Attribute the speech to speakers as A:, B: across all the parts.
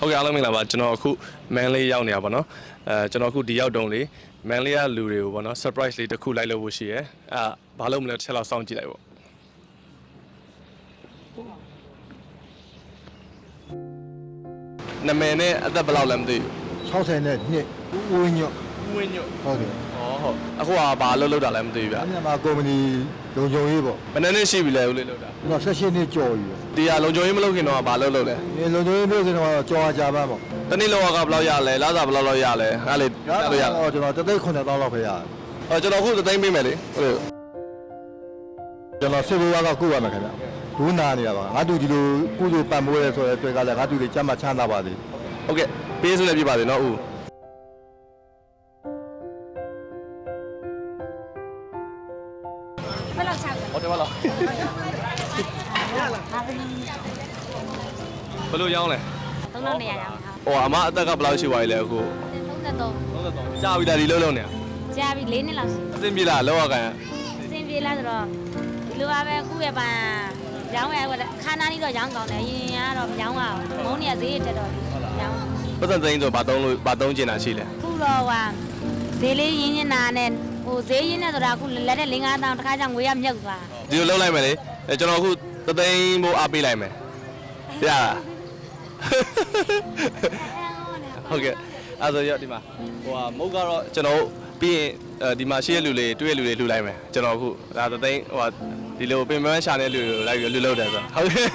A: ဟုတ်ကဲ့အားလုံးမင်္ဂလာပါကျွန်တော်အခုမန်လေးရောက်နေတာပေါ့နော်ကျွန်တော်အခုဒီရောက်တုံးလေးမန်လေးကလူတွေကိုပေါ့နော် surprise လေးတစ်ခုလိုက်လို့ဖို့ရှိရဲဘာလို့မလဲတစ်ချက်လောက်စောင့်ကြည့်လိုက်ပေါ့နာမည်နဲ့အသက်ဘယ်လောက်လဲမသိဘူး
B: 60နဲ့နှစ်ဦးဝင်းညွတ်
A: ဟုတ်တယ်
B: ဟုတ်
A: အခုကဘာလို့လောက်တာလဲမသိဘူးဗျ
B: အဲ့ဒီမှာကုမ္ပဏီလုံခြုံရေးပေါ့
A: ဘယ်နှစ်ရှိပြီလဲဦးလေးလောက်တာ
B: ကျွန်တော်16နှစ်ကျော်ပြီ
A: ဒီဟာလုံခြုံရေးမလုပ်ခင်တော့ဘာလို့လုပ်လဲ
B: ဒီလုံခြုံရေးလုပ်ခင်တော့ကြော်ကြပါပေါ့
A: တနေ့လောကဘယ်လောက်ရလဲလစာဘယ်လောက်ရလဲအဲ့လေ
B: လို့ရကျွန်တော်3,900လောက်ပဲရတယ်
A: ကျွန်တော်အခု3သိန်းပေးမယ်လေဟုတ်
B: ကျွန်တော်စစ်ဘဝကကုရမယ်ခင်ဗျဘူးနာနေရပါငါတူဒီလိုကုသိုလ်ပံ့ပိုးရဲဆိုတဲ့တွေ့ကလည်းငါတူတွေကြမ်းမှချမ်းသာပါသေး
A: ဟုတ်ကဲ့ပေးစုလည်းပြပါသေးနော်ဦး
C: ဘယ်လောက်ချလဲ
A: ဟုတ်တယ်ဘယ်လောက်ဘယ်လိုရောင်းလဲ
C: 300ရောင်း
A: ဟိုအမအသက်ကဘယ်လောက်ရှိပါလဲအခု
C: 33
A: ကြာပြီလားဒီလုံးနေ
C: ကြာပြီ4နှစ်လောက်ရှိ
A: အဆင်ပြေလားလောက်ရကန်
C: အဆင်ပြေလားဆိုတော့ဒီလိုပါပဲအခုရဲ့ပန်ရောင်းရခါနာနီတော့ရောင်းကောင်းတယ်ရင်ကတော့မရောင်းအောင်မုန်းနေဈေးတက်တော့ရောင်း
A: ပတ်စံသိန်းဆိုဘာသုံးကျင်တာရှိလဲ
C: အခုတော့ဟာဈေးလေးရင်းနေတာနဲ့ဟိုဈေးရင်းနေဆိုတာအခုလက်နဲ့5,000တောင်တစ်ခါကျငွေရမြုပ်သွား
A: ဒီလိုလုပ်လိုက်မယ်လေကျွန်တော်အခု3သိန်းမို့အားပေးလိုက်မယ်ရလားဟုတ်ကဲ့အဲ့ဆိုရဒီမှာဟိုဟာမုတ်ကတော့ကျွန်တော်ပြီးရင်ဒီမှာရှိတဲ့လူလေးတွေ့တဲ့လူလေးလှူလိုက်မယ်ကျွန်တော်အခုဒါ3သိန်းဟိုဟာဒီလိုပင်ပန်းရှာတဲ့လူတွေလိုက်ပြီးလှူလုပ်တယ်ဆိုဟုတ်ကဲ့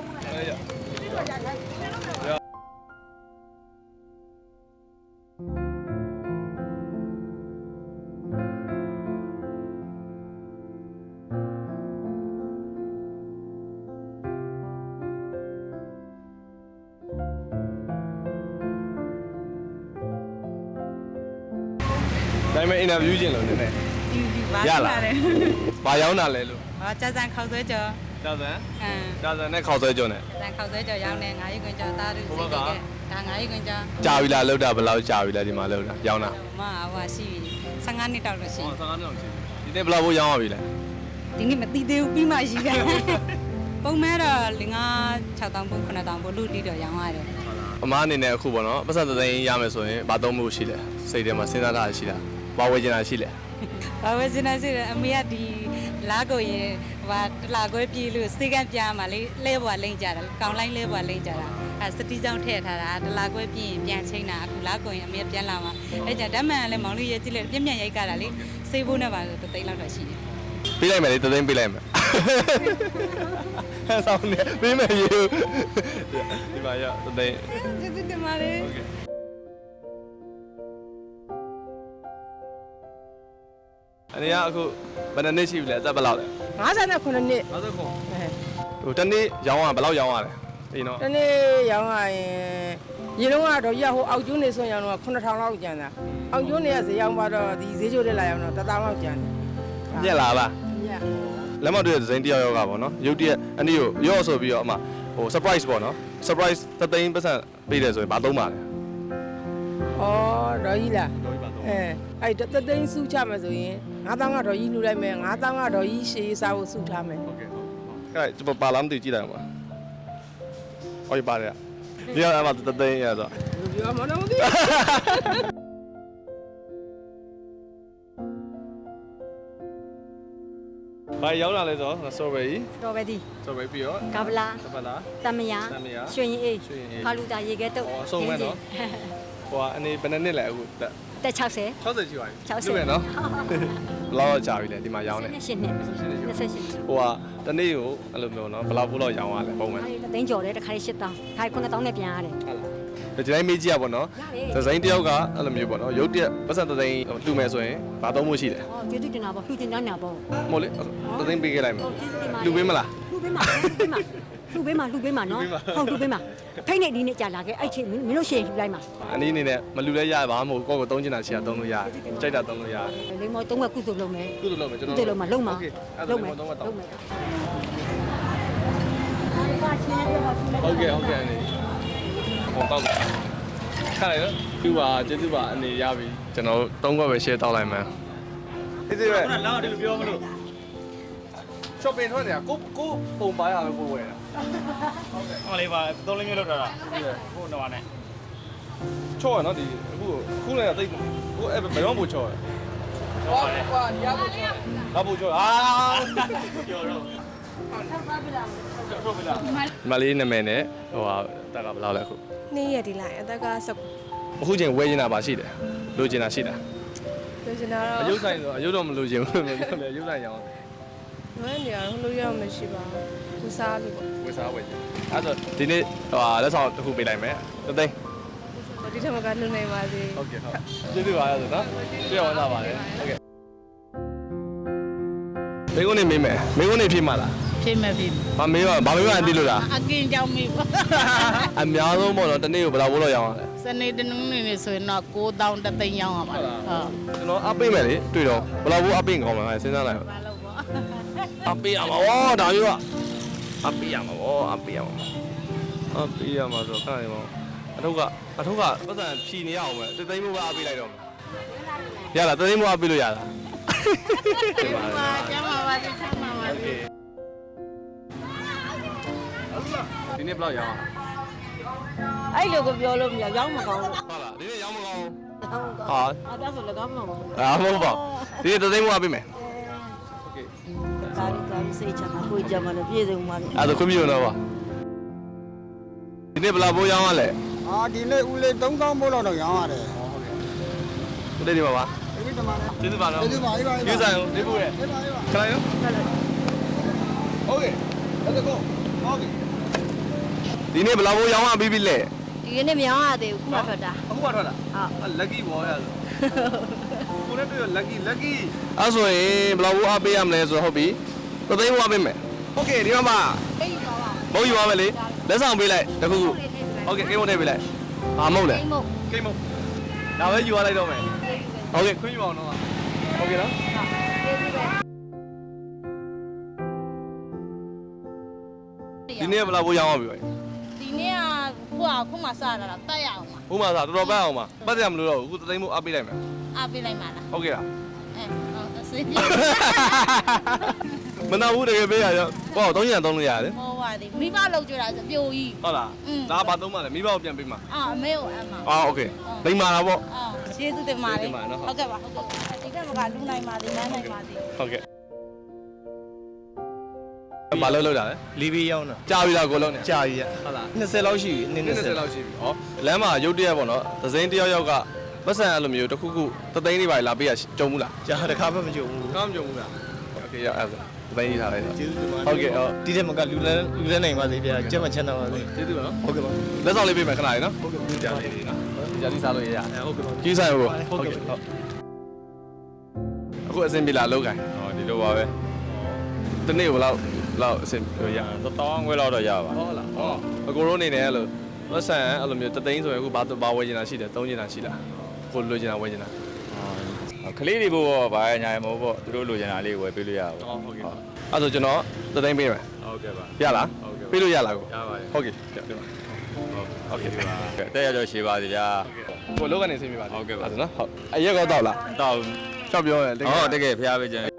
A: ဒါပေမဲ့ interview ကျင်လို့နည်းနည်း
D: ရလား
A: ဘာရောင်းတာလဲလို့
D: ကြာစံခေါက်ဆွဲကြော်
A: ကြာစံနဲ့ခေါက်ဆွဲကြော်နဲ့
D: ကြာစံခေါက်ဆွဲကြော်ရောင်းနေ9ရက်ခွင်ကြော်သားတို့စိတ်ကဲဒါ9ရက်ခွင်ကြော်
A: ကြာပြီလားလောက်တာဘယ်လောက်ကြာပြီလဲဒီမှာလောက်တာရောင်းတာ
D: မဟိုရှိပြီ15နှစ်တောက်လို့ရှိ
A: 15နှစ်တောက်ရှိပြီဒီနေ့ဘယ်လောက်ဖို့ရောင်းရပြီလဲ
D: ဒီနေ့မသိသေးဘူးပြီးမှရှိတယ်ပုံမှန်တော့5,000 6,000ပို့9,000ပို့လူတီတော့ရောင်းရတယ်
A: အမားအနေနဲ့အခုပေါ့နော်ပတ်စံသိန်းရမယ်ဆိုရင်ဘာသုံးမှုရှိလဲစိတ်ထဲမှာစဉ်းစားတာရှိတာဘာဝယ်ချင်တာရှိလဲ
D: ဘာဝယ်ချင်တာရှိတယ်အမေကဒီလားကိုရင်ဟိုတလာခွဲပြေးလို့စေကန့်ပြားမှာလေလဲဘွားလိမ့်ကြတာကောင်လိုက်လဲဘွားလိမ့်ကြတာအဲစတီးကြောင်းထည့်ထားတာတလာခွဲပြေးရင်ပြန်ချိန်တာအခုလားကိုရင်အမေပြန်လာမှာအဲကြဓာတ်မှန်လည်းမောင်လေးရဲကြည့်လိုက်ပြက်ပြက်ရိုက်ကြတာလေစေးဖို့နဲ့ပါဆို3သိန်းလောက်တော့ရှိတယ်
A: ပေးလိုက်မယ်လေ3သိန်းပေးလိုက်မယ်ဆောင်းနေပေးမယ်ယူဒီမှာရ3သိန်း
D: ကျေးဇူးတင်ပါတယ်
A: အနေကအခုဘယ်နှစ်ရှိပြီလဲအသက်ဘယ်လောက်လဲ
E: 59နှစ်
A: 59ဟိုတနေ့ရောင်းရဘယ်လောက်ရောင်းရလဲဒီတော့
E: တနေ့ရောင်းရရင်ရေလုံးကတော့ရဟိုအောက်ကျွန်းနေဆိုရင်တော့9,000လောက်ကျန်တာအောက်ကျွန်းနေကဈေးရောက်ပါတော့ဒီဈေးချိုးတက်လာရအောင်တော့1,000လောက်ကျန်တယ်
A: ပြက်လာလား
E: ည
A: လက်မတွေ့တဲ့ဇိမ်းတယောက်ကပေါ့နော်ရုပ်တရက်အနည်းကိုရော့ဆိုပြီးတော့အမဟို surprise ပေါ့နော် surprise 3သိန်းပတ်စံပေးတယ်ဆိုရင်ဘာသုံးပါလဲ
E: ဩတော်ကြီးလားအဲ့တသိန်းစုချမယ်ဆိုရင်9,000ကတော့ကြီးလှူလိုက်မယ်9,000ကတော့ကြီးရှေးစားဖို့စုထားမယ်
A: ဟုတ်ကဲ့အဲ့ပါလာမသိကြည့်လိုက်ပါဟုတ်ပြီပါတယ်ဒီကအမ3သိန်းရတော့
E: ပြောမလို့မသိ
A: ဘာရောင်းလာလဲဆိုတော့ strawberry ပြီးတော့
C: ကဗလာတမယာရွှေရင်အေးဖာလူတာရေခဲတုပ်
A: အဆုံးမဲ့နော်ဟိုအနေဘယ်နှစ်လဲအခု
C: တက်60
A: ရှိပါပြီ60ပဲနော်ဘယ်လောက်ကြာပြီလဲဒီမှာရောင်းနေ
C: 28နှစ်
A: ဟိုကတနေ့ကိုအဲ့လိုမျိုးနော်ဘယ်လောက်ပို့လောက်ရောင်းရလဲပုံမှန်
C: သိန်းကျော်တယ်တစ်ခါ8,000တစ်ခါ9,000နဲ့ပြန်ရတယ်
A: ဟုတ်လားဒီတိုင်းမေးကြည့်ရပါတော့ဒီဇိုင်းတယောက်ကအဲ့လိုမျိုးပေါ့နော်ရုပ်တရက်ပတ်စံ3သိန်းလှူမယ်ဆိုရင်ဘာသုံးမှုရှိလဲ
C: ကျေးဇူးတင်တာပေါ့လှူတင်တာညာပေါ့
A: မဟုတ်လေ3သိန်းပေးခဲ့လိုက်မယ်လှူပေးမလား
C: လှူပေးမှာနော်ဟုတ်လှူပေးမှာဖိတ်နေဒီနေ့ကြာလာခဲ့အဲ့ချိန်မင်းတို့ရှေ့လှူလိုက်မှာ
A: အနည်းအနေနဲ့မလှူလဲရပါမဟုတ်ကိုယ့်ကိုသုံးချင်တာရှိတာသုံးလို့ရတယ်ကြိုက်တာသုံးလို့ရတယ်
C: လိမ္မောသုံးကကုသိုလ်လုပ်မယ်
A: ကျွန်တော်
C: ကုသိုလ်လုပ်မှာလုပ်မှာ
A: ဟုတ်ကဲ့အနေဟောတော့ခါလိုက်တော့သူ့ပါကျေးဇူးပါအနေရပြီကျွန်တော်3ခွက်ပဲ share တောက်လိုက်မှန်းဒီစီပဲလာဒီလိုပြောမလို့ shopping ထွက်နေတာကိုပုံပါရပဲပို့ဝယ်တာ
F: ဟုတ်ကဲ့ဟောလေးပါ3လေးမျိုးလောက်ထားတာဟုတ်ကဲ့ဟိုတော့နဲ့
A: ချော့ရနော်ဒီအခုလည်းတိတ်ကိုအဲ့ဘယ်တော့မှချော့ရ
E: ဟောဟောရဖို့ချော
A: ငါပူချော့အာပြောတော့မလေးနာမည်နဲ့ဟိုဟာတက်ကဘယ်လောက်လဲအခု
F: နေ့ရက်ဒီလိုက်အသက်က19
A: အခုချိန်ဝဲနေတာပါရှိတယ်လိုချင်တာရှိတာ
F: လိုချင်တာ
A: အ
F: တော့
A: ယုတ်ဆိုင်ဆိုအယုတ်တော့မလိုချင်ဘူးပြောတယ်အယုတ်ဆိုင်ရအောင်
F: လွယ်နေရဟိုလိုရမရှိပါဘူးကိုစားလို့ပေါ့
A: ဝယ်စားဝယ်ချင်အဲ့ဆိုဒီနေ့ဟိုဟာလက်ဆောင်တစ်ခုပေးလိုက်မယ်တသိန်း
F: ဒီထက်မကလုံနိုင်ပါစေ
A: ဟုတ်ကဲ့ဟုတ်ကျေးဇူးပါရဆိုနော်ပြည့်ဝလာပါတယ်ဟုတ်ကဲ့မင်းကနေမေးမယ်မင်းကနေဖြစ်မှာလား
G: ဖြစ်မဲ့ပြီ
A: ဘာမေးပါဘာမေးပါအတိလို့လား
G: အကင်းကြောင့်မေးပါ
A: အများဆုံးပေါ့နော်တနေ့ကိုဘယ်လောက်ဘိုးလောက်ရောင်းရလဲ
G: စနေတနင်္ဂနွေနေ့ဆိုရင်တော့9000တသိန်းရောင်းရပါလားဟုတ်
A: ကျွန်တော်အပိတ်မယ်လေတွေ့တော့ဘယ်လောက်ဘိုးအပိတ်ကောင်းမလဲစဉ်းစားလိုက်
G: ဘာလို့ပေါ့
A: အပိတ်ရမှာဗောဒါမျိုးကအပိတ်ရမှာဗောအပိတ်ရမှာအပိတ်ရမှာဆိုခဏနေပေါ့အထုပ်ကပတ်စံဖြီနေရအောင်ပဲတသိန်းမိုးကအပိတ်လိုက်တော့ရလားတသိန်းမိုးအပိတ်လို့ရလား
G: ဒီမှာကျမပါသေးချမ်းပါပါသေး
A: ဒီနေ့ဘယ်လောက်ရောင်း
H: အဲ့လိုကိုပြောလို့မရရောင်းမကောင်းဘူး
A: ဟုတ်လားဒီနေ့ရောင်းမကောင်း
H: ဟာ
A: ဟာ
H: အဲ့ဒါဆိုလည်းကောင်းမှာမဟုတ်ဘူး
A: အာမဟုတ်ပါဒီနေ့တသိန်းမိုးအပိတ်မယ်
H: ကာရီစိတ်ချမှာကိုကြမှာလည်းပြည့်စုံမှာလေ
A: အဲ့ဒါခွင့်ပြုတော့ပါဒီနေ့ဘယ်လောက်ဘိုးရောင်းရလဲ
I: အာဒီနေ့ဦးလေး3000မို့လောက်တော့ရောင်းရတယ်
A: ဒီနေ့ဒီမှာပါ
I: ဒီနေ့တမန်
A: ကျေးဇူးပါနော်
I: ကျေးဇူးပါအေးပါအေးပါ
A: ကျေးဇူးဆိုင်လေးခုရဲ့
I: အေးပါအေးပါ
A: ခဏရောโอเค let's go โอเคဒီနေ့ဘယ်လောက်ဘိုးရောင်းရပြီးပြီလဲ
H: ဒီနေ့မရောင်းရသေးဘူးခုမှထွက်တာ
A: အခုမှထွက်တာ
H: ဟုတ်
A: lucky ဘောရဆိုကိုနဲ့တွေ့ရ lucky အဲ့ဆိုရင်ဘယ်လောက်ဘိုးအားပေးရမလဲဆိုတော့ဟုတ်ပြီသသိန်းဘိုးအားပေးမယ်โอเคဒီမှာပါမဟုတ်ယူပါမယ်လေလက်ဆောင်ပေးလိုက်တခုခုโอเคကိန်းမုတ်ထည့်ပေးလိုက်ဟာမဟုတ်လေ
H: အိမ်မို့
A: ကိန်းမုတ်ဒါပဲယူရလိုက်တော့မယ်โอเคခွင့်ယူအောင်တော့โอเคနော်ဒီနေ့ဘယ်လောက်ဘိုးရောင်းရပြီပဲ
G: ဒီနေ့ကခုမှစတာလားတက်ရအောင်ပါ
A: ဥမာသာတော်တော်ပတ်အောင်ပါပတ်ရမလို့တော့အခုသသိန်းမို့အားပေးလိုက်မယ်
G: အားပေးလိုက်ပါလား
A: ဟုတ်ကဲ့လား
G: အဲဟုတ်အစီအပြေ
A: မနာဘူးတကယ်ပေးရရောဟော300တောင်းလို့ရတယ်
G: ဟောပါသေးမိဘလောက်ကြတာဆိုပြိုကြီး
A: ဟုတ်လားဒါဘာသုံးမှလဲမိဘကိုပြန်ပေးမှာ
G: အာအမေကိုအမ
A: အော်โอเคလိမ္မာတာပေါ့
G: အာကျေးဇူးတင်ပါတယ်
A: ကျေးဇူးတင်ပါတယ်နော်
G: ဟုတ်ကဲ့ပါဟုတ်ကဲ့ဒီကမကလူနိုင်ပါသေးနန်းနိုင်ပါသေး
A: ဟုတ်ကဲ့ဘာလို့လောက်တာလဲ
B: လီဘီရောက်တော့
A: ကြာပြီလားကိုလုံးနေ
B: ကြာပြီရ
A: ဟုတ်လား
B: 20လောက်ရှိပြီ
A: 20လောက်ရှိပြီဟောလမ်းမှာရုတ်တရက်ပေါ့နော်သစိမ်းတယောက်ယောက်ကပတ်စံအဲ့လိုမျိုးတစ်ခုခုသသိန်းလေးပါလာပေးရကြုံဘူးလား
B: ကြာတခါမှမကြုံဘူး
A: ကောင်းမကြုံဘူးလားโอเคရအဲ့ဒါသသိန်းကြီးထားလိုက်တော့
B: ကျေးဇူးတင်ပါ
A: ဟုတ်ကဲ့ဟုတ်
B: ဒီထက်မကလူလဲနိုင်ပါစေဗျာကျက်မချမ်းသာပါစေ
A: ကျေးဇူးပါနော်
B: ဟုတ်ကဲ့ပါ
A: လက်ဆောင်လေးပေးမယ်ခဏလေးနော်ဟုတ်ကဲ့ကြာလေးနော်ကြာလေးစားလို့ရရ
B: ဟုတ်ကဲ့ပါ
A: ကြီးဆိုင်ဟုတ်
B: ဟုတ်ကဲ့
A: ဟုတ်အခုအဆင်ပြေလားလောက်ကန်
J: ဟောဒီလိုပါပဲ
A: တနေ့ဘယ်လောက်အဆင်ပြေရ
J: 1000ခွဲလောက်တော့ရပါ
A: ဟုတ်လားဟုတ်အကိုရိုးနေနေအဲ့လိုပတ်စံအဲ့လိုမျိုးတသိန်းဆိုရင်အခုဘာဝယ်နေတာရှိတယ်သုံးနေတာရှိလားကိုလိုချင်တာဝယ်ချင်တာ
J: ကလေးတွေဘောဘာညာရမဟုတ်ပေါ့သူတို့လိုချင်တာလေးဝယ်ပေးလို့ရပါ
A: ဟုတ်ကဲ့အဲ့ဆိုကျွန်တော်တသိန်းပေးမယ်
J: ဟုတ်ကဲ့ပါ
A: ရလားပေးလို့ရလားကို
J: ရပါတယ်
A: ဟုတ်ကဲ့ပြပါဟုတ်ကဲ့ပါ
J: တဲ့ရတော့ရှေးပါစေဗျာ
A: ကိုလောကနေဆင်းပြပါ
J: ဟုတ်ကဲ့ပါ
A: အဲ့ဒါနော်ဟုတ်အရက်ကောတော့လား
J: တော့
A: ချောက်ပြောရတကယ်
J: ဟောတကယ်ဖျားပေးခြင်း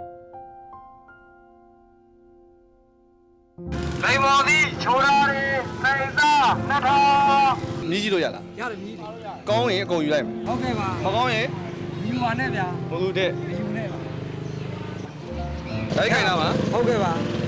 I: လိမ္မော်သည်ချိုးရာရီစိတ်သား2000
A: မြည်ကြည့်လို့ရလား
E: ရတယ်မြည်တယ်
A: ကောင်းရင်အကုန်ယူလိုက်မယ်
E: ဟုတ်ကဲ့ပါ
A: မကောင်းရင်
E: မြည်ပါနဲ့ဗျာ
A: မဟုတ်တဲ့
E: မယူနဲ့ပါ
A: လိုက်ခိုင်းတာပါ
E: ဟုတ်ကဲ့ပါ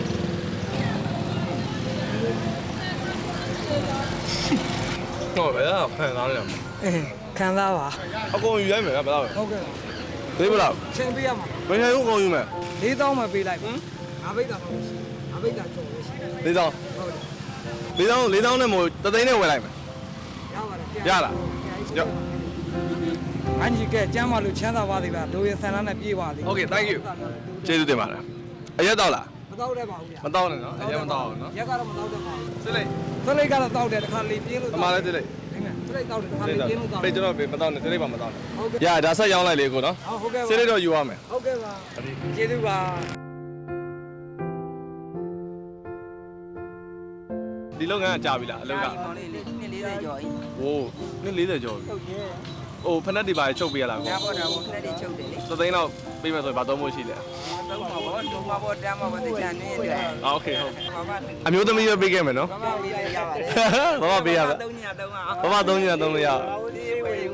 A: ဟုတ်ပဲဖန်သားနေတယ်
E: ခံစားပါ
A: အကုန်ယူလိုက်မယ်ဘယ်လောက်လဲ
E: ဟုတ်ကဲ့ပါ
A: သေးဘယ်လောက်
E: ချိန်ပေးရမှာ
A: ဘယ်ချိန်အကုန်ယူမယ်
E: 4000မှပေးလိုက်ပါငါဘိတ်တာပါငါဘိတ်တာကျော်လို့ရှိတယ်
A: 4000
E: ဟုတ်တယ်
A: 4000နဲ့မို့တသိန်းနဲ့ဝယ်လိုက်မယ်
E: ရပါတယ်
A: ရလားရ
E: အန်ကြီးကကျမ်းပါလို့ချမ်းသာပါသေးဗျာဒိုးရဆန္ဒနဲ့ပြေးပါသေး
A: Okay thank you ကျေးဇူးတင်ပါတယ်အရက်တော့လား
E: မတော့တဲ့ပါဘူးဗျာ
A: မတော့နဲ့နော်အရက်မတော့ဘူးနော်
E: ရက်ကတော့မတော့တဲ့ပါဘူး
A: စစ်လိုက်
E: သလိတ်ကတော့တောက်တယ်တစ်ခါလေပြင်းလို့
A: အမှားလဲစစ်လိုက်
E: သလိတ်တောက်တယ်တစ်ခါလေပြင်းလို့တောက်
A: ပေးကျွန်တော်ပေးမတော့နဲ့စစ်လိုက်ပါမတော့နဲ့
E: ဟုတ်ကဲ့
A: ရဒါဆက်ရောင်းလိုက်လေကိုနော်
E: ဟုတ်ကဲ့ပါ
A: စစ်လိုက်တော့ယူရမယ်
E: ဟုတ်ကဲ့ပါကျေးဇူးပါ
A: ဒီလုပ်ငန်းကကြာပြီလားအလုပ်က
H: မောင်လေးလေး240ကျော်ကြီး
A: ဟိုနှစ်40ကျော်ပြီ
H: ဟုတ်ရဲ့
A: ဟဟိုဖက်နက်တွေပါချုပ်ပေးရလားကို
E: ညာပေါ်တာကိုခဏလေးချုပ်တယ်လေ
A: သသိန်းတော့ပေးမယ်ဆိုရင်ဘာသုံးဖို့ရှိလဲ
E: တော့မှာပေါ့ဒုမှာပေါ့တမ်းမှာပေါ့တိကျနေတယ်
A: โอเคဟုတ်
E: ဘာမှ
A: အမျိုးသမီးပဲပေးခဲ့မယ်နော်
E: ဘာမှပေးရရပါတယ်
A: ဘာမှပေးရပါ
E: 3ည3အောင်
A: ဘာမှသုံးညသုံးလို့ရ
E: ဘာလို့ဒီဝေး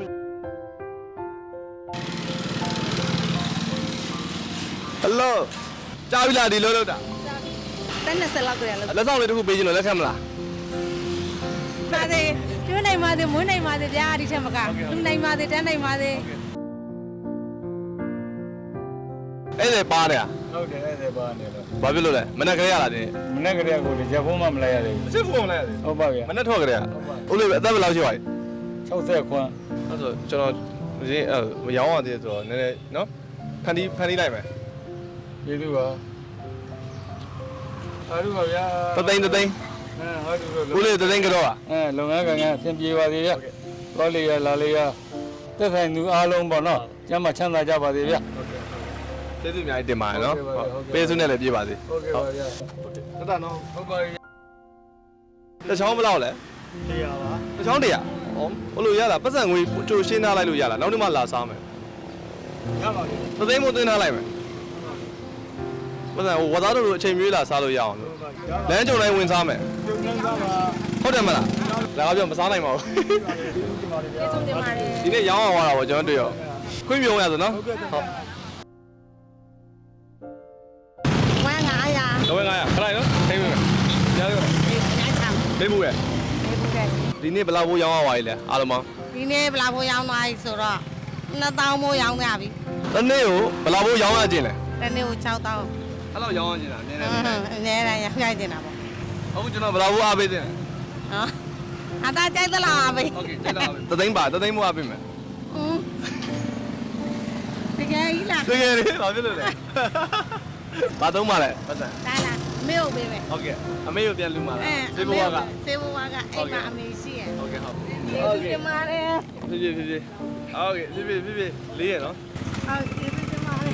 A: ဟယ်လိုကြားပြီလားဒီလို့လို့တာ
F: တက်20လောက်ကြရလို့
A: လက်ဆောင်လေးတစ်ခုပေးခြင်းလို့လက်ခံမလား
F: ပါသေးကျွေးနိုင်ပါသေးမွေးနိုင်ပါသေးဗျာဒီထက်မကလူနိုင်ပါသေးတန်းနိုင်ပါသေး
A: အဲ့ဒါပါတယ်
J: ဟုတ်တယ်အဲ့ဒါပါနေလို့
A: ဘာဖြစ်လို့လဲမနေ့ကလေးရလာတယ်
J: မနေ့ကတည်းကကိုရက်ဖုံးမှမလိုက်ရသေး
A: အစ်ဖုန်းလဲရတယ်
J: ဘူးဟုတ်ပါဗျာ
A: မနေ့ထွက်ကြတယ်ဟုတ်လို့အသက်ဘယ်လောက်ရှိပါလဲ
J: 60ခွန်း
A: အဲ့ဆိုကျွန်တော်ဒီမရောင်းရသေးဆိုတော့နည်းနည်းနော်ဖန်တီးလိုက်မယ်
J: ကျေးဇူးပါအားရပါဗျာ
A: တသိန်း
J: ဟုတ်တယ်
A: ဦးလေးတသိန်းကတော့อ่ะ
J: လုပ်ငန်းကံကအဆင်ပြေပါသေးဗျာတော်လေးရလာလေးရသက်ဆိုင်သူအားလုံးပေါ့နော်ကျမ်းမချမ်းသာကြပါသေးဗျာ
A: ကျေးဇူးအများကြီးတင်ပါတယ်နော်ပေးစုနဲ့လည်းပြေးပါစေ
J: ဟုတ်ကဲ့ပါဗျာ
A: တတနော်
J: ဟုတ်ပါပြီ
A: တစ်ချောင်းဘယ်လောက်လဲ
J: တရားပါ
A: တစ်ချောင်း100ဟောဘလို့ရလားပတ်စံငွေကြိုရှင်းထားလိုက်လို့ရလားနောက်နေ့မှလာစားမယ်
J: ရပါပြီ
A: သသိန်းမို့သွင်းထားလိုက်မယ်ပတ်စံဟိုဝသားတို့လိုအချိန်မျိုးလာစားလို့ရအောင်လို့လမ်းကြုံတိုင်းဝင်စားမယ်
J: ကျုံနှမ်းသားပါ
A: ဟုတ်တယ်မလားလာပြောမစားနိုင်ပါဘူး
F: ကျေးဇူးတင်ပါတယ်
A: ဒီနေ့ရောင်းအောင်သွားတာပေါ့ကျွန်တော်တွေ့ရောခွင့်ပြုံးရဆိုနော်ဟုတ်
F: ဝမ်း900
A: တော့900ခလိုက်နော်ထိမ့်မယ်ကြားရ
F: ညချမ်း
A: ထိမ့်မှုရဲ့ဒီနေ့ဘယ်လောက်ဘိုးရောင်းရပါလဲလဲအားလုံးပေါင်း
F: ဒီနေ့ဘလာဖို့ရောင်းသွားပြီဆိုတော့2000မိုးရောင်းသွားပြီ
A: တနေ့ကိုဘယ်လောက်ဘိုးရောင်းရခြင်းလဲ
F: တနေ့ကို6000
A: အဲ့လောက်ရောင်းရခြင်းလားနည်းနည်း
F: အနည်းတိုင်းရိုက်နေတာပေါ့
A: အခုကျွန်တော်ဘယ်လောက်ဘိုးအားပေးခြင်းလဲ
F: ဟောအသားကြိုက်သလားပဲ
A: โอเคကျေးဇူးပါတသိန်းပါတသိန်းမိုးအားပေးမယ်
F: တကယ်ကြီးလား
A: တကယ်လေဘာဖြစ်လို့လဲဘာသုံးပါလဲပတ်စံ
F: ဒါလားမေကိုပေးမယ်
A: ဟုတ်ကဲ့အမေကိုပြန်လူမှာလားစေဘွားက
F: စေဘွားကအိမ်မှာအမေရှိရ
A: ဟုတ်ကဲ့ဟုတ်
F: ကျေးဇူးတင်ပါတယ်
A: ဖြည်းဖြည်းဟုတ်ကဲ့ဖြည်းဖြည်းလေးရနော်
F: ဟုတ်ကျေးဇူးတင်ပါတယ်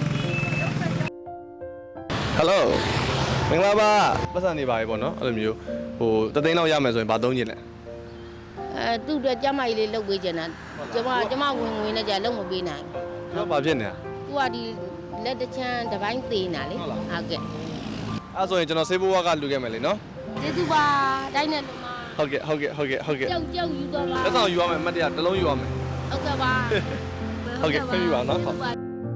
A: ဟယ်လိုမင်္ဂလာပါပတ်စံနေပါပြီပေါ့နော်အဲ့လိုမျိုးဟိုတသိန်းလောက်ရမယ်ဆိုရင်ဘာသုံးခြင်းလဲ
H: သူ့အတွက်ကျမကြီးလေးလုပ်ပေးချင်တာကျမဝင်ဝင်နဲ့ကြာလုံးမပေးနိုင်
A: ကျွန်တော်ဘာဖြစ်နေတာ
H: သူကဒီလက်တချမ်းတစ်ပိုင်းသေးနေတာလေဟုတ်ကဲ့
A: အဲ့ဆိုရင်ကျွန်တော်စေဘွားကလူခဲ့မယ်လေနော်
H: ကျေးဇူးပါတိုင်းနဲ့လူမ
A: ဟုတ်ကဲ့
H: ကြောက်ယူတော့ပါ
A: လက်ဆောင်ယူရမယ်အမှတ်တရတစ်လုံးယူရမယ်
H: ဟုတ်ကဲ့ပါ
A: ဟုတ်ကဲ့ဖိတ်ပါနော်ဟုတ်ဟို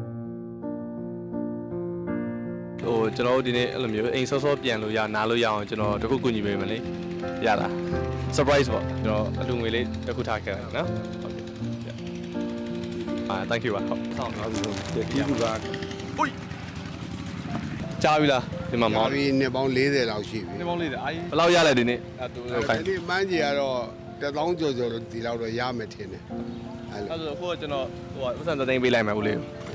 A: ကျွန်တော်တို့ဒီနေ့အဲ့လိုမျိုးအိမ်စောစောပြန်လို့ရနားလို့ရအောင်ကျွန်တော်တခုကူညီပေးမယ်လေရတာ surprise ပေါ့ကျွန်တော်အလူငွေလေးတစ်ခုထားခဲ့တယ်နော်ဟုတ်ကဲ့thank you ပါဟုတ်ဆောင်ပါဘူးကျေးဇူးပါဟိုကြားပြီလားဒီမှာမောင်
K: ဒီနှစ်ပေါင်း40လောက်ရှိပြီ
A: ဒီမောင်လေးအာဘယ်လောက်ရလဲဒီနေ့အဲ့တူခိုင်း
K: ဒီမှန်းကြီးကတော့1000ကျော်ကျော်ဒီလောက်တော့ရမယ်ထင်တယ်အဲ့လို
A: အဲ့ဆိုဟိုကျွန်တော်ဟိုဥစ္စာသိန်းပေးလိုက်မယ်ဦးလေး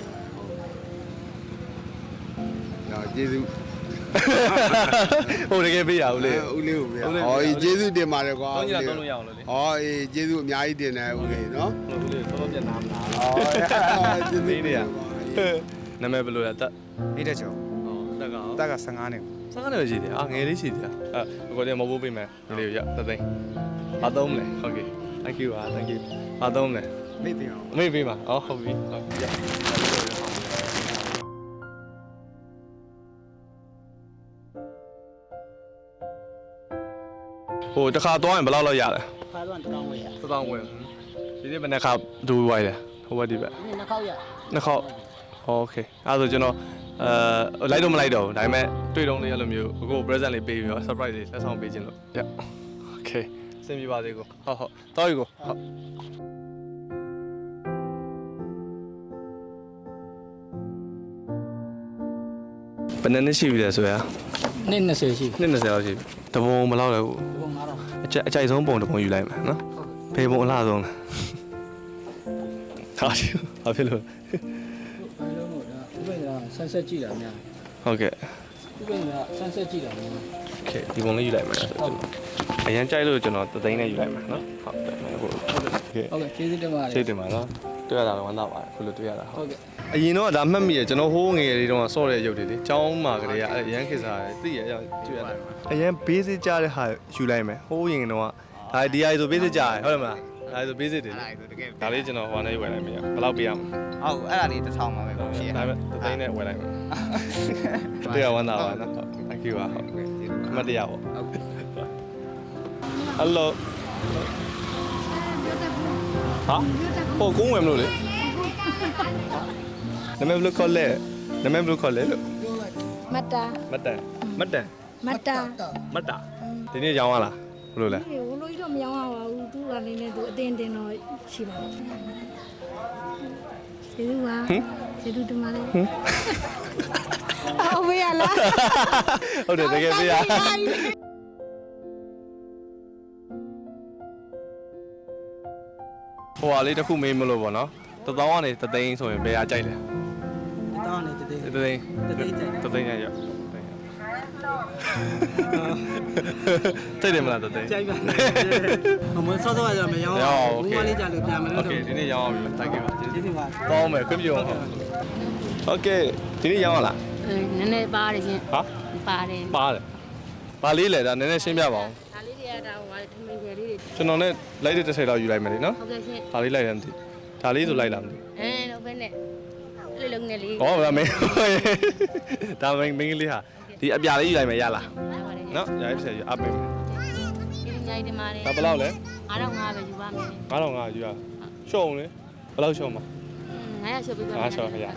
K: တော့ကျေးဇူး
A: ဟိုတကယ်ပေးရဦးလေး
K: ဦးလေးကိုပြဟောကျေးဇူးတင်ပါတယ်ကွာ
A: သုံးကြတော့လို့ရအောင်လို့လေ
K: ဟောအေးကျေးဇူးအများကြီးတင်တယ်ဦးလေးနော်
A: ဦးလေးစောစောပြန်နားမလား
K: ဟောကျေးဇူး
A: နေနေရနာမည်ဘယ်လိုလဲတက်
B: အေးတဲ့ကျော်
A: ဟောတက်က
B: တက်က15နှစ်
A: စားကနေပဲရှိတယ်ငယ်လေးရှိတယ်ကိုယ်တည်းမဟုတ်ဘူးပေးမယ်ဒီလေးရတသိန်းဘာသုံးမလဲဟုတ်ကဲ့ thank you ပါ thank you ဘာသုံးမလဲ
B: မိတ်ပြင်အောင်
A: မေ့ပေးပါအော်ဟုတ်ပြီဟုတ်ပြီဟိုတခါသွားရင်ဘယ်လောက်လောက်ရလဲ
H: ခါတော့တောင်းဝယ်ရ
A: 1000ဝင်ဒီနေ့ဘယ်နှခါဒူဝိုင်းလဲဟိုဘက်ဒီဘက်
H: နှစ်ခေါက်ရ
A: နှစ်ခေါက်โอเคအဲ့ဒါဆိုကျွန်တော်လိုက်တော့မလိုက်တော့ဘူးဒါပေမဲ့တွေ့တော့လေးအဲ့လိုမျိုးကို present လေးပေးပြီးတော့ surprise လေးလက်ဆောင်ပေးခြင်းလို့ရโอเคစင်ပြပါသေးကိုဟုတ်တော်ပြီကိုဟုတ်ဘယ်နှစ်ရှိပြီလဲဆိုရ
H: နေ့20ရှိ
A: နှစ်20လောက်ရှိပြီတပုံမလောက်လဲဘူး
H: ဘုံ9000
A: အကြိုက်ဆုံးပုံတပုံယူလိုက်မယ်နော်ဖေးပုံအလားဆုံးလဲဟာရှိဘာဖြစ်လို့
H: အားလုံးတော့ဒါဥပဒေကဆန်းဆက်ကြည့်တာများ
A: ဟုတ်ကဲ့
H: ဥပဒေကဆန်းဆက်ကြည့်တာများ
A: โอเคဒီပုံလေးယူလိုက်မယ်ဆိုတော့အရင်ကြိုက်လို့ကျွန်တော်သသိန်းနဲ့ယူလိုက်မယ်နော်ဟုတ်တယ်ဟုတ်ကဲ့
H: ဟုတ်ကဲ့ကျေးဇူးတင်ပါတယ်
A: စိတ်တင်ပါနော်တွေ့ရတာလည်းဝမ်းသာပါတယ်ခုလိုတွေ့ရတာဟုတ်
H: ဟုတ်ကဲ့
A: အရင်တော့ဒါမှတ်မိရကျွန်တော်ဟိုးငယ်လေးတုန်းကစော့တဲ့ရုပ်တွေလေចောင်းမှာကလေးကအရန်ခေစားတယ်သိရအောင်တွေ့ရတယ်အရန် basic ကြတဲ့ဟာယူလိုက်မယ်ဟိုးရင်တော့ဒါဒီဟာဆို basic ကြတယ်ဟုတ်တယ်မလားဒါဆို basic တွေ
L: အဲ့ဒါဆိုတကယ်
A: ဒါလေးကျွန်တော်ဟိုကနေဝယ်လိုက်မယ်ဘယ်လောက်ပေးရမလဲ
L: ဟုတ်အဲ့ဒါလေးတစ်ထောင်ပါပဲကိုရှိရ
A: ဒါပေမဲ့တသိန်းနဲ့ဝယ်လိုက်မယ်တရားဝမ်းသာပါနော် thank you ပါဟုတ်အမတရားပေါ့ hello ဟာဟိုကုန်းဝယ်မလို့လေနာမည်ဘယ်လိုခေါ်လဲနာမည်ဘယ်လိုခေါ်လဲလို့
F: မတ်တာ
A: မတ်တန်မတ်တန်
F: မတ်တာ
A: မတ်တာဒီနေ့ရောင်းရလားဘယ်လိုလဲ
F: ဒီဟိုလိုကြီးတော့မရောင်းရပါဘူးသူကလည်းသူအတင်းတင်းတော့ရှိပါဘူးကျေးဇူးပါကျေးဇူးတင်ပါတယ်ဟုတ်ပြီလား
A: ဟုတ်တယ်တကယ်ပြရဟိုဟာလေးတစ်ခုမေးမလို့ပေါ့နော်1000ကနေ3သိန်းဆိုရင်ဘယ်ဟာကြိုက်လဲ1000ကနေ3သိန်း3သိန်း3သိန်းရတိတ်တယ်မလား3သိန်းကြိုက်ပါမဆော့ဆော့ရမရောင်းဘူးမလေးကြလို့ပြန်မလို့โอเคဒီနေ့ရောင်းအောင်ပြီတိုက်ခဲ့ပါကျေးဇူးပါတောင်းမယ်ခွင့်ပြုအောင်โอเคဒီနေ့ရောင်းရလား
H: နည်းနည်းပါတယ်ရှင်
A: ဟာ
H: ပါတယ်
A: ပါတယ်ဘာလေးလဲဒါနည်းနည်းရှင်းပြပါအောင်
H: ဒါလေးတွေကဒါဟိုထမင်းကျယ်လေးတွေ
A: ကျွန်တော်နဲ့လိုက်တဲ့30လောက်ယူလိုက်မယ်လေနော်
H: ဟုတ်ကဲ့ရှင်
A: ဒါလေးလိုက်တယ်မသိဒါလေးဆိုလိုက်လားမသိ
H: တော့ဘယ်နဲ့လေးလုံးနဲ့လေး
A: ဩဒါမင်းဒါမင်းကလေးဟာဒီအပြာလေးယူလိုက်မယ်ရလားနော်ရပြီဆက်ယူအပ်ပေးမယ်
H: ဒီညိုင်တင်ပါတယ်
A: ဒါဘယ်လောက်လဲ
H: 9500ပဲယူပါမယ်
A: 9500ယူရရှုံးလေဘယ်လောက်ရှုံးမှာ
H: 900ရှုပ်ပေးပါမယ်
A: 900ရှုံးရ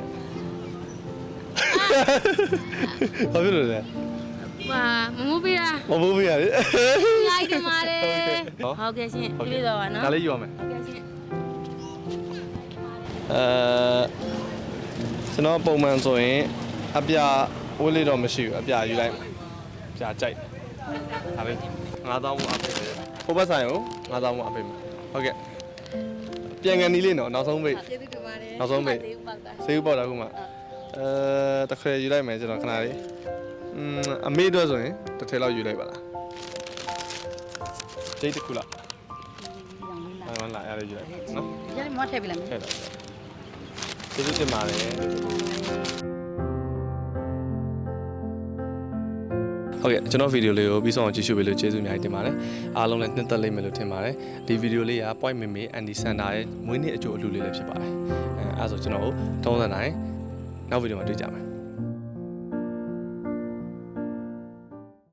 A: โอเคဘာဖြစ်လို့လဲ
H: ဟာမမူးပေးတာ
A: မဘူးမရလေ
H: ညိုင်တင်ပါတယ်ဟုတ်ကဲ့ရှင်ပြည့်တော့ပါနော်
A: ဒါလေးယူရမယ်
H: ဟုတ်ကဲ့ရှင်
A: ကျွန်တော်ပုံမှန်ဆိုရင်အပြာဝတ်လေးတော့မရှိဘူးအပြာယူလိုက်ပြာကြိုက်ဒါလေး9000ဘူးအပ်ပေးတယ်ဟိုဘက်ဆိုင်ကို9000ဘူးအပ်ပေးမယ်ဟုတ်ကဲ့ပြန်ကန်နီးလေးနော်နောက်ဆုံးပိတ်
H: ကျေးဇူးတင်ပါတယ်
A: နောက်ဆုံးပိတ်ဆေးဥပေါက်တာခုမှတခါယူလိုက်မယ်ကျွန်တော်ခဏလေးအမေတို့ဆိုရင်တစ်ထည်လောက်ယူလိုက်ပါလားဂျိတ်တစ်ခုလားဟိုလာရရယူလိုက်နော်
H: ဒီနေ့မောထည့်ပြီလား
A: ထည့်လိုက်ကျေးဇူးတင်ပါတယ်ဟုတ်ကဲ့ကျွန်တော်ဗီဒီယိုလေးကိုပြီးဆုံးအောင်ကြည့်ရှုပေးလို့ကျေးဇူးအများကြီးတင်ပါတယ်အားလုံးလည်းနှစ်သက်လိမ့်မယ်လို့ထင်ပါတယ်ဒီဗီဒီယိုလေးက Point Meme Andy Center ရဲ့မွေးနေ့အကျိုးအလှူလေးလည်းဖြစ်ပါတယ်အဲဒါဆိုကျွန်တော်တို့ထုံးစံတိုင်းနောက်ဗီဒီယိုမှာတွေ့ကြမယ်